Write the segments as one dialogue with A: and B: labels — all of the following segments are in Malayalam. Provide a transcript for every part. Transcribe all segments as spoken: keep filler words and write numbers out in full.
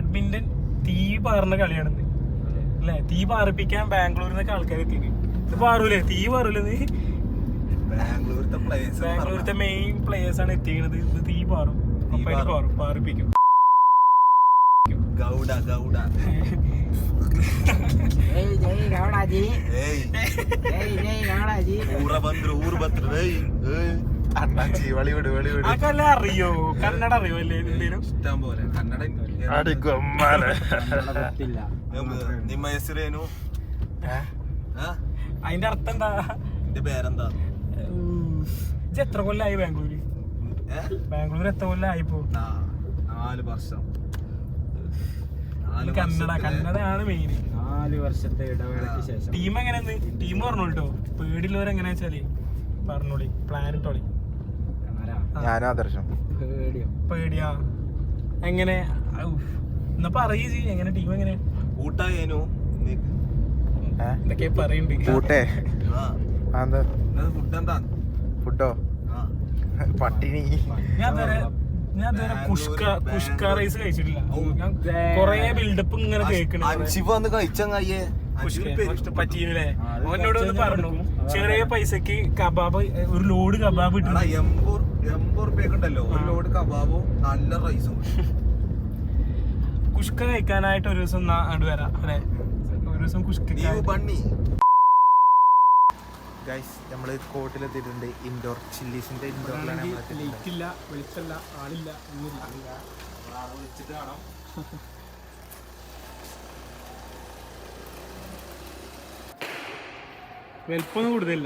A: ബാഡ്മിന്റൺ തീ പാറുന്ന കളിയാണെന്ന് അല്ലെ? തീ പാറിപ്പിക്കാൻ ബാംഗ്ലൂരിൽ നിന്നൊക്കെ ആൾക്കാർ എത്തി. ഇത് പാറൂലേ? തീ പാറൂലേ? നീ ബാംഗ്ലൂരിലത്തെ മെയിൻ പ്ലേയേഴ്സ് ആണ് എത്തിയത്. ഇത് തീ പാറും, പാറും പാറിപ്പിക്കും.
B: ഗൗഡ ഗൗഡ
A: അറിയോ? കന്നഡ അറിയോ? അല്ലേ
B: ഇഷ്ടം പോലെ കന്നഡ. ನಿಮ್ಮ ಹೆಸರೇನು?
A: അതിന്റെ അർത്ഥം എന്താ?
B: എന്റെ പേരെന്താ?
A: ഇത് എത്ര കൊല്ലായി ബാംഗ്ലൂര്? ബാംഗ്ലൂർ എത്ര കൊല്ലായിപ്പോ?
B: നാല് വർഷം.
A: കന്നഡ കന്നഡയാണ് മെയിൻ.
C: നാല് വർഷത്തെ ഇടവേളയ്ക്ക് ശേഷം
A: ടീം എങ്ങനെയാന്ന് ടീം പറഞ്ഞോളൂ. പേടിയുള്ളവരെങ്ങനെയാ വെച്ചാല് പറഞ്ഞോളി, പ്ലാൻ ഇട്ടോളി. പേടിയാ എങ്ങനെ? എന്നാ പറയൂ എങ്ങനെ ടീം എങ്ങനെ?
B: ഊട്ടായേനു
A: എന്തൊക്കെ പറയണ്ട്.
B: ഫുഡോ പട്ടിണി.
A: ഞാൻ ഞാൻ കുഷ്ക കുഷ്ക റൈസ് കഴിച്ചിട്ടില്ല. ഞാൻ കൊറേ ബിൽഡപ്പ് ഇങ്ങനെ കേൾക്കണേ. പറ്റീനല്ലേ? അവനോട് ഒന്ന് പറഞ്ഞു ചെറിയ പൈസക്ക് കബാബ്, ഒരു ലോഡ് കബാബ്
B: എൺപത് റുപ്യക്ക് ഉണ്ടല്ലോ ഒരു ലോഡ് കബാബും നല്ല റൈസും.
A: കുഷ്ക കഴിക്കാനായിട്ട് ഒരു ദിവസം അങ്ങോട്ട് വരാം അല്ലെ? ഒരു ദിവസം കുഷ്ക
B: ബണ്ണി.
D: ഗൈസ് നമ്മള് കോട്ടിലെത്തിയിട്ടുണ്ട്. ഇൻഡോർ ചില്ലീസിന്റെ ഇൻഡോറിലാണ്.
A: ലൈറ്റില്ല, വെളിച്ചല്ല, ആളില്ല, ഒന്നുമില്ല.
B: വിളിച്ചിട്ട് കാണാം.
A: വലിപ്പൊന്നും കൂടുതലില്ല.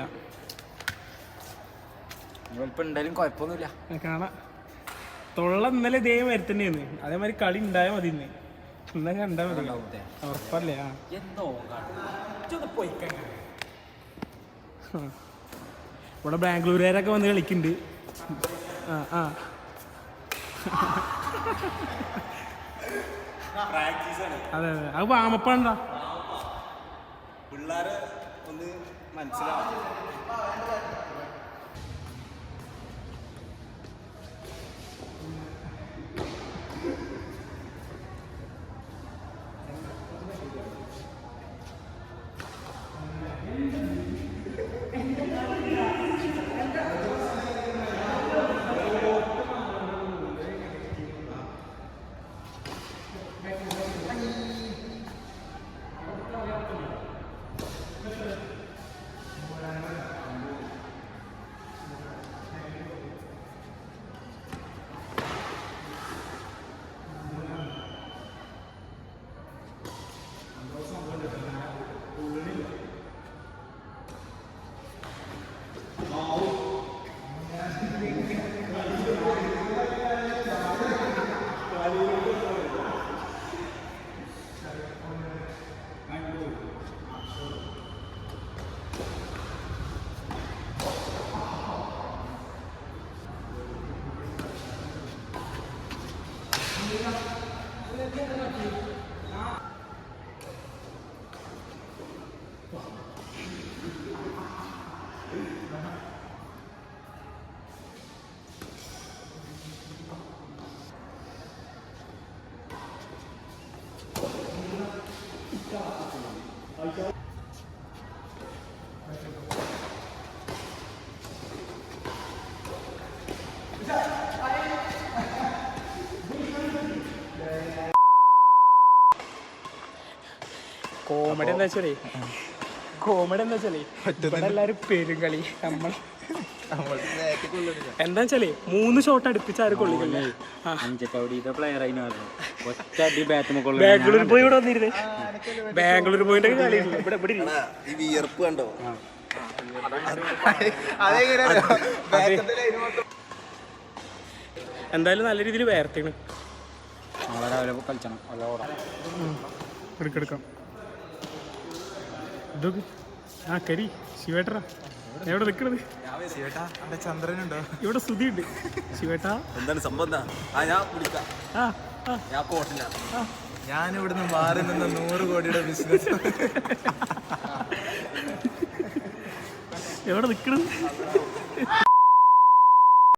C: വലിപ്പം ഉണ്ടായാലും കുഴപ്പമൊന്നുമില്ല.
A: കാണാം. തൊള്ള ഇന്നലെ ഇതേ മാതിരി തന്നെയാണ്. അതേമാതിരി കളി ഉണ്ടായാൽ മതി. ഇന്ന് ഇന്ന കണ്ടാ മതി. ഉറപ്പല്ലേ? ആ ഇവിടെ ബാംഗ്ലൂരുകാരൊക്കെ വന്ന് കളിക്കുന്നുണ്ട്. ആ ആ അതെ അതെ. അത് വാമപ്പാണ്ടാ
B: പിള്ളേരെ ഒന്ന് മനസ്സിലാവും.
A: കോമഡി എന്താ വെച്ചാലേ കോമഡി എന്താ വെച്ചാലേ ഇവിടെ എല്ലാരും പെരുകളി. നമ്മൾ എന്താ വെച്ചാലേ മൂന്ന് ഷോട്ട് അടുപ്പിച്ച് ആരും കൊള്ളിക്കല്ലേ. ബാംഗ്ലൂർ പോയി ഇവിടെ വന്നിരുന്നേ. ബാംഗ്ലൂർ പോയിട്ട് കളി ഇവിടെ ഇവിടെ
B: വിയർപ്പ് കണ്ടോ?
A: എന്തായാലും നല്ല രീതിയിൽ വേർത്തിണ്.
C: കളിച്ചണം
A: എടുക്കെടുക്കാം. ഇതൊക്കെ ആ കരി ശിവേട്ടറാ എവിടെ നിൽക്കണത്?
D: ചന്ദ്രനുണ്ടോ
A: ഇവിടെ സ്തുതി ഉണ്ട്. ശിവേട്ടാ
B: എന്താണ് സംഭവം?
D: ഞാൻ ഇവിടുന്ന് മാറി നിന്ന് നൂറ് കോടിയുടെ ബിസിനസ്
A: എവിടെ നിൽക്കണത്?